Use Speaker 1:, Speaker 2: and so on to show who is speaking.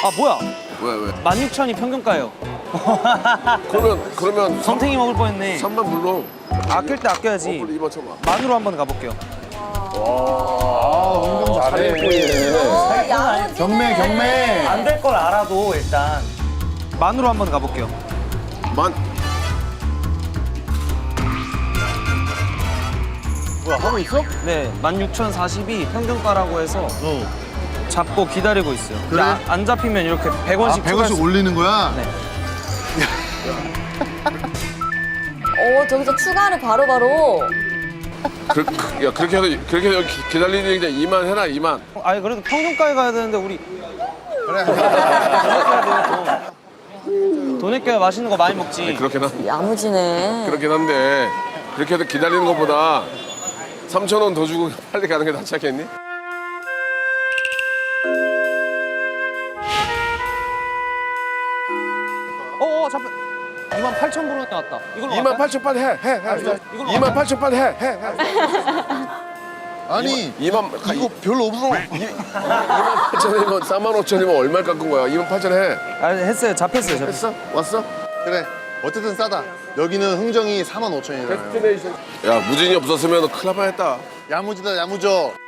Speaker 1: 아 뭐야?
Speaker 2: 왜?
Speaker 1: 16,000이 평균가예요.
Speaker 2: 그러면
Speaker 1: 선탱이 먹을 뻔했네.
Speaker 2: 3만 불러.
Speaker 1: 아낄 때 아껴야지.
Speaker 2: 2번 쳐봐.
Speaker 1: 만으로 한번 가볼게요.
Speaker 3: 운동 잘해.
Speaker 4: 야무지네.
Speaker 3: 경매.
Speaker 1: 안 될 걸 알아도 일단 만으로 한번 가볼게요.
Speaker 2: 만.
Speaker 3: 뭐야, 하고 있어?
Speaker 1: 네, 16,040이 평균가라고 해서
Speaker 3: 어.
Speaker 1: 잡고 기다리고 있어요.
Speaker 3: 그래?
Speaker 1: 안 잡히면 이렇게 100원씩
Speaker 3: 100원씩 올리는 거야?
Speaker 1: 네.
Speaker 4: 저기서 추가를 바로바로.
Speaker 2: 그렇게 해서 기다리는 게 2만 해라 2만.
Speaker 1: 아니 그래도 평균가에 가야 되는데 우리
Speaker 3: 그래.
Speaker 1: 돈 아껴야 맛있는 거 많이 먹지.
Speaker 4: 야무지네.
Speaker 2: 그렇긴 한데 그렇게 해서 기다리는 것보다 3,000원 더 주고 빨리 가는 게 낫지 않겠니?
Speaker 1: 잡혀. 28,000불 나왔다. 이걸로
Speaker 2: 2만 8천 빨리 해.
Speaker 1: 이걸로
Speaker 2: 2만 8천 빨리 해.
Speaker 3: 아니,
Speaker 2: 2만
Speaker 3: 이거 별로 없어.
Speaker 2: 2만 8천이면 4만 5천이면 얼마 깎은 거야? 2만 8천 해.
Speaker 1: 아니 했어요. 잡혔어요.
Speaker 2: 했어? 왔어?
Speaker 3: 그래. 어쨌든 싸다. 여기는 흥정이 45,000원이잖아요.
Speaker 2: 야 무진이 없었으면 큰일 날 뻔했다.
Speaker 3: 야무지다, 야무져.